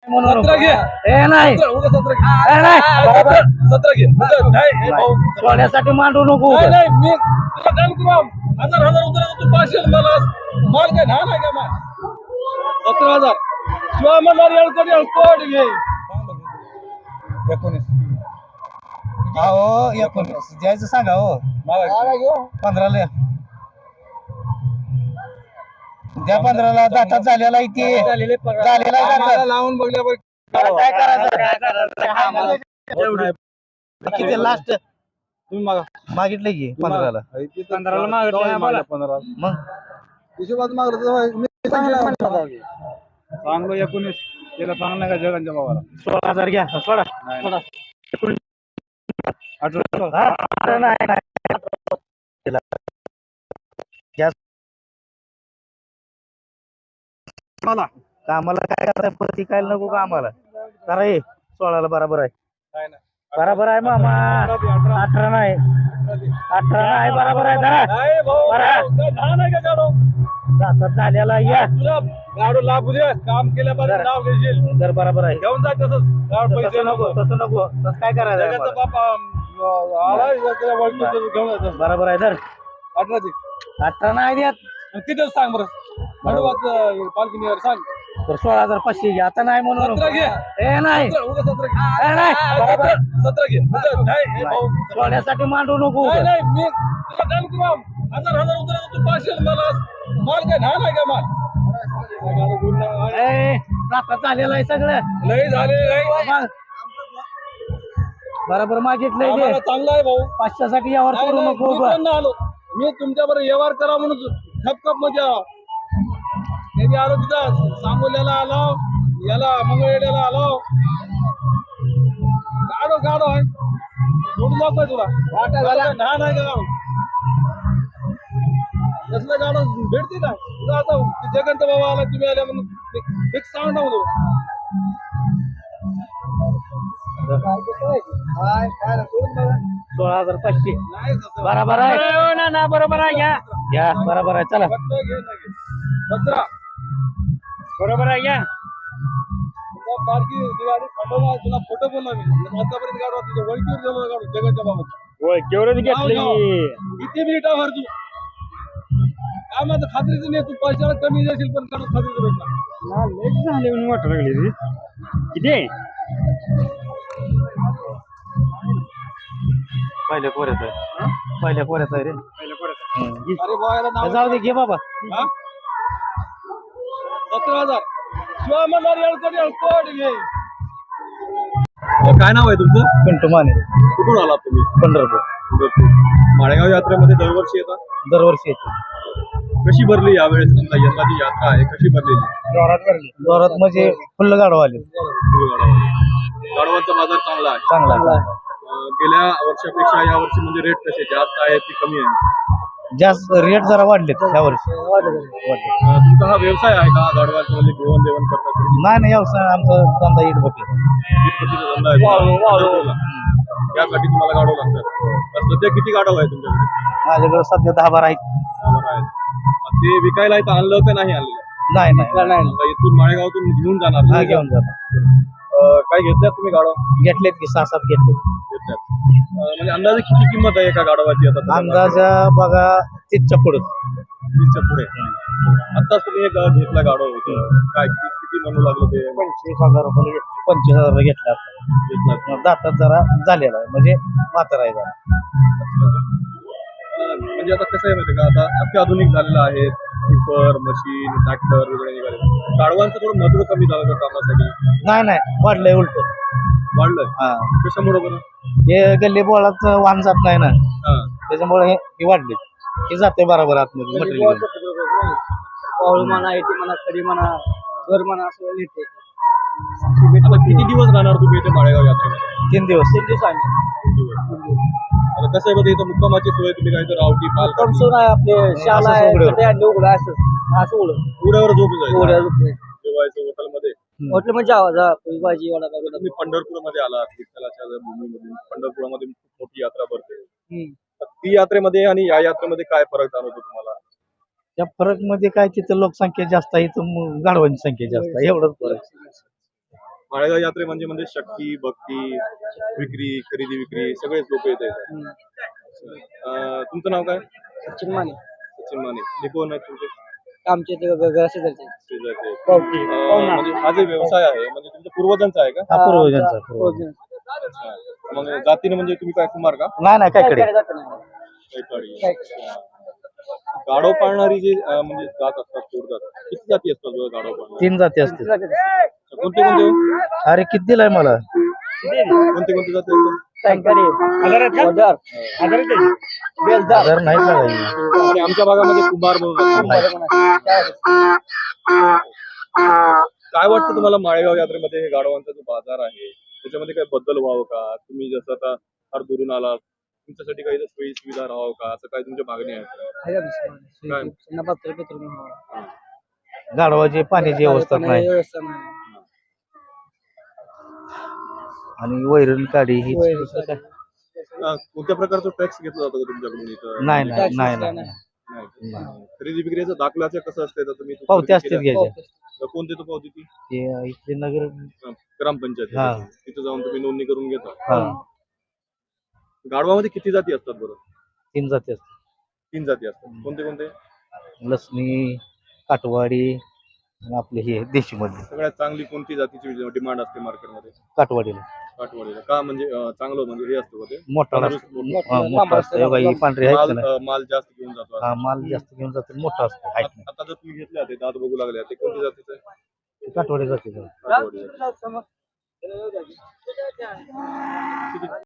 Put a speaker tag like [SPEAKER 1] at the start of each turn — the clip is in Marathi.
[SPEAKER 1] म्हणून
[SPEAKER 2] 17 घे.
[SPEAKER 1] ए नाही
[SPEAKER 2] 17 घे.
[SPEAKER 1] ए, नाही.
[SPEAKER 2] 17 घे. नाही भाऊ.
[SPEAKER 1] सोन्यासाठी मांडू नको
[SPEAKER 2] नाही नाही मी तुला काम करू हजार हजार उतरा तू पाचशे मला माल काय ना नाही का माल 17,000 शिवाय मला येळकोट घे 19
[SPEAKER 1] हो 19 द्यायचं सांगा हो 15ला द्या 15ला दातात झालेला इथे झालेला आहे दातात.
[SPEAKER 2] लावून बघल्यावर
[SPEAKER 1] काय करायचं किती लास्ट
[SPEAKER 2] तुम्ही मागा
[SPEAKER 1] मागितलं की 15ला
[SPEAKER 2] 15ला मागलं 15
[SPEAKER 1] मग
[SPEAKER 2] हिशोबात मागलं तर मी सांग 19 त्याला सांग नाही का जगांच्या भावाला
[SPEAKER 1] 16,000 घ्या सोडा
[SPEAKER 2] नाही.
[SPEAKER 1] 18 नाही
[SPEAKER 2] मला
[SPEAKER 1] कामाला काय करताय पती काय नको का आम्हाला करा हे 16ला बरोबर आहे
[SPEAKER 2] नाही नाही.
[SPEAKER 1] बरोबर आहे मामा 18 नाही 18 नाही बरोबर आहे जरा
[SPEAKER 2] नाही भाऊ
[SPEAKER 1] बरं.
[SPEAKER 2] काय दहा नाही का गाडो
[SPEAKER 1] दातात झालेला या
[SPEAKER 2] तुला गाडो लाभू दे काम केल्यापर्यंत नाव घेशील
[SPEAKER 1] जर बरोबर आहे
[SPEAKER 2] घेऊन जा तसंच गाड पैसे
[SPEAKER 1] तसं नको तसं नको तसं काय करायचं आहे
[SPEAKER 2] जगाचा
[SPEAKER 1] आम्हाला?
[SPEAKER 2] बापा आला त्याला वळखून घेऊन जायचं
[SPEAKER 1] बरोबर आहे तर
[SPEAKER 2] 18ची
[SPEAKER 1] 18 नाही देत
[SPEAKER 2] किती सांग बरं भाडवात पालखी निघाल सांग
[SPEAKER 1] तर 16,500 घ्या आता नाही म्हणून
[SPEAKER 2] 17 घे.
[SPEAKER 1] ए नाही
[SPEAKER 2] 17 घे.
[SPEAKER 1] ए, नाही बरोबर
[SPEAKER 2] 17 घे नाही भाऊ
[SPEAKER 1] सोन्यासाठी मांडू नको
[SPEAKER 2] नाही नाही मी तुला काम करू हजार हजार उतरा तू पाचशे मला माल काय ना नाही का माल
[SPEAKER 1] ए दातात झालेलं आहे सगळं
[SPEAKER 2] लय झाले नाही
[SPEAKER 1] मग बरोबर मागितलंय
[SPEAKER 2] आम्हाला
[SPEAKER 1] ते
[SPEAKER 2] चांगला आहे भाऊ
[SPEAKER 1] 500साठी यावर
[SPEAKER 2] नाही,
[SPEAKER 1] करू
[SPEAKER 2] नाही,
[SPEAKER 1] नको
[SPEAKER 2] मी पण नाही आलो मी तुमच्याबरोबर व्यवहार करा म्हणून खपखप मध्ये आलो मी बी आलो तिथं सांगोल्याला आलो याला मंगळवेड्याला आलो गाडो गाडो आहे सोडून दाखवाय तुला ना नाही का गाडो कसलं गाडो भेटते का तुझा आता जगंत बाबा आला तुम्ही आल्या म्हणून एक सांग टाकू
[SPEAKER 1] 16,500
[SPEAKER 2] नाही
[SPEAKER 1] बरोबर आहे ना बरोबर आहे घ्या घ्या बरोबर आहे चला
[SPEAKER 2] 17
[SPEAKER 1] बरोबर आहे घ्या
[SPEAKER 2] पारखी गाडी खंडोबा तुला फोटो बोलला मी आतापर्यंत गाडो तुझ्या वळखीवर गेलो गाडो जगाच्या बाबत
[SPEAKER 1] केवढं
[SPEAKER 2] किती मिनिटा भर तू काय माझं खात्रीचं नाही तू पैशाला कमी जाशील पण काढून खात्रीचं भेटणार
[SPEAKER 1] झाले म्हणून वाटत लागली किती पहिल्या कोऱ्यात आहे पहिल्या कोऱ्यात आहे रे
[SPEAKER 2] अरे बायला नाव
[SPEAKER 1] जाऊ दे घे बाबा
[SPEAKER 2] 17,000 शिवाय म्हणणार येळकोट घे काय नाव आहे तुमचं
[SPEAKER 1] पिंटू माने
[SPEAKER 2] कुठून आलात तुम्ही
[SPEAKER 1] पंढरपूर
[SPEAKER 2] माळेगाव यात्रेमध्ये दरवर्षी येतात
[SPEAKER 1] दरवर्षी येते
[SPEAKER 2] कशी भरली यावेळेस समजा यंदाची यात्रा आहे कशी भरलेली
[SPEAKER 1] जोरात म्हणजे फुल्ल गाडव आले
[SPEAKER 2] गाडवांचा बाजार चांगला आहे
[SPEAKER 1] चांगला
[SPEAKER 2] गेल्या वर्षापेक्षा या वर्षी म्हणजे रेट कसे जास्त आहे की कमी आहे
[SPEAKER 1] जास्त रेट जरा वाढलेत या वर्षी
[SPEAKER 2] तुमचा हा व्यवसाय आहे का गाडवांचं म्हणजे घेऊन देवण करता
[SPEAKER 1] नाही व्यवसाय आमचा धंदा इट बघ
[SPEAKER 2] धंदा आहे त्यासाठी तुम्हाला गाडव लागतात तर सध्या किती गाडव आहे तुमच्याकडे
[SPEAKER 1] माझ्याकडे सध्या 10-12 आहेत
[SPEAKER 2] ते विकायला इथं आणलं का नाही आणलं
[SPEAKER 1] नाही
[SPEAKER 2] आता इथून माळेगावातून घेऊन जाणार
[SPEAKER 1] घेऊन जातो
[SPEAKER 2] काय घेतल्यात तुम्ही गाडव
[SPEAKER 1] घेतलेत की 6-7 घेतले
[SPEAKER 2] घेतल्यात म्हणजे अंदाजे किती किंमत आहे एका गाडवाची आता
[SPEAKER 1] अंदाजा बघा 30च्या पुढे
[SPEAKER 2] 30च्या पुढे आताच तुम्ही एक घेतला गाडव होतं काय किती म्हणू लागलं ते
[SPEAKER 1] 25,000 रुपये 25,000 घेतला
[SPEAKER 2] घेतला
[SPEAKER 1] दातात जरा झालेला आहे म्हणजे म्हातारा आहे जरा
[SPEAKER 2] म्हणजे आता कसं आहे माहिती का आता अत्याधुनिक झालेलं आहे टिपर मशीन ट्रॅक्टर वगैरे निघाले गाडवांचं थोडं महत्व कमी झालं का कामासाठी
[SPEAKER 1] नाही वाढलंय उलट
[SPEAKER 2] वाढलंय
[SPEAKER 1] हा
[SPEAKER 2] कशामुळे बरं
[SPEAKER 1] हे गल्ली बोळात वाहन जात नाही ना
[SPEAKER 2] हा
[SPEAKER 1] त्याच्यामुळे हे वाढले हे जाते बरोबर आतमध्ये मटेरियल
[SPEAKER 3] पाऊल म्हणा येते म्हणा खडी म्हणा घर म्हणा असं येते
[SPEAKER 2] आता किती दिवस राहणार तुम्ही इथे माळेगाव यात्रेमध्ये
[SPEAKER 1] 3 दिवस
[SPEAKER 3] 3 दिवस आहे
[SPEAKER 2] 3 दिवस आता कसं आहे बघा इथं मुक्कामाची सोय तुम्ही काय तर आवटी पाल
[SPEAKER 3] कमसून आहे आपले शाला आहे उघडं असं उघडं
[SPEAKER 2] उड्यावर झोपून जायचं
[SPEAKER 3] उघड्या झोपले
[SPEAKER 2] जेवायचं हॉटेलमध्ये
[SPEAKER 3] हॉटेल म्हणजे आवाज भाजी वडा वगैरे
[SPEAKER 2] तुम्ही पंढरपूरमध्ये आलात विठ्ठलाच्या भूमीमध्ये पंढरपुरामध्ये खूप मोठी यात्रा भरते तर ती यात्रेमध्ये आणि या यात्रेमध्ये काय फरक जाणवतो तुम्हाला
[SPEAKER 1] त्या फरक मध्ये काय तिथं लोकसंख्या जास्त आहे इथं गाढवांची संख्या जास्त आहे एवढंच फरक
[SPEAKER 4] माळेगाव यात्रे म्हणजे शक्ती भक्ती विक्री खरेदी विक्री सगळेच लोक येत आहेत. तुमचं नाव काय?
[SPEAKER 3] सचिन माने
[SPEAKER 4] सचिन माने. ते कोण आहेत तुमचे
[SPEAKER 3] आमचे ते शेजारचे
[SPEAKER 4] शेजारचे? म्हणजे हा जे व्यवसाय आहे म्हणजे तुमच्या पूर्वजांचा आहे का?
[SPEAKER 1] हा, पूर्वजांचा, पूर्वजांचा.
[SPEAKER 4] अच्छा. मग जातीने म्हणजे तुम्ही काय कुमार का?
[SPEAKER 1] नाही काय कडे
[SPEAKER 4] कैकाडी. अच्छा. गाढव पाळणारी जी म्हणजे जात असतात पूर्वजात किती जाती असतात बरं गाढव पाळणारी?
[SPEAKER 1] 3 जाती असते.
[SPEAKER 4] कोणते कोणते हो?
[SPEAKER 1] अरे किती दिलाय मला?
[SPEAKER 4] कोणते कोणते जाती असतात?
[SPEAKER 1] हजार नाही लागायची.
[SPEAKER 4] आणि आमच्या भागामध्ये कुंभार म्हणून असतात. काय वाटतं तुम्हाला माळेगाव यात्रेमध्ये हे गाढवांचा जो बाजार आहे त्याच्यामध्ये काही बदल व्हावं का? तुम्ही जसं आता फार दुरून आलात तुमच्यासाठी काही सोयी सुविधा राहावं का असं काही तुमच्या मागणी आहे?
[SPEAKER 1] गाढवाची पाण्याची व्यवस्था नाही आणि वैरण काढी ही दुसरं काय?
[SPEAKER 4] कोणत्या प्रकारचा टॅक्स घेतला जातो का तुमच्याकडून इथं?
[SPEAKER 1] नाही नाही नाही नाही
[SPEAKER 4] नाही. खरेदी विक्रीचं दाखल्याचं कसं असतं तर तुम्ही
[SPEAKER 1] पावती असते घ्यायच्या.
[SPEAKER 4] कोणते तो पावती ती
[SPEAKER 1] ते इथले नगर
[SPEAKER 4] ग्रामपंचायत
[SPEAKER 1] हा.
[SPEAKER 4] तिथे जाऊन तुम्ही नोंदणी करून घेता.
[SPEAKER 1] हा
[SPEAKER 4] गाढवामध्ये किती जाती असतात बरं?
[SPEAKER 1] 3 जाती असते.
[SPEAKER 4] 3 जाती असतात. कोणते कोणते?
[SPEAKER 1] लसणी, काटवाडी आणि आपले हे देशी मध्ये.
[SPEAKER 4] सगळ्यात चांगली कोणती जातीची डिमांड असते मार्केटमध्ये?
[SPEAKER 1] काटवाडीला
[SPEAKER 4] काठवाडीला का म्हणजे चांगलं म्हणजे हे असतं का ते
[SPEAKER 1] मोठा मोठा असतो. हे बघा, ही पांढरी आहे का नाही?
[SPEAKER 4] माल जास्त घेऊन जातो.
[SPEAKER 1] हा, माल जास्त घेऊन जातो, मोठा असतो. हाईट नाही.
[SPEAKER 4] आता जर तुम्ही घेतल्या ते दात बघू लागले ते कोणती जातीचं आहे?
[SPEAKER 1] काटवाडी जाते.
[SPEAKER 4] काठवाडी जाती.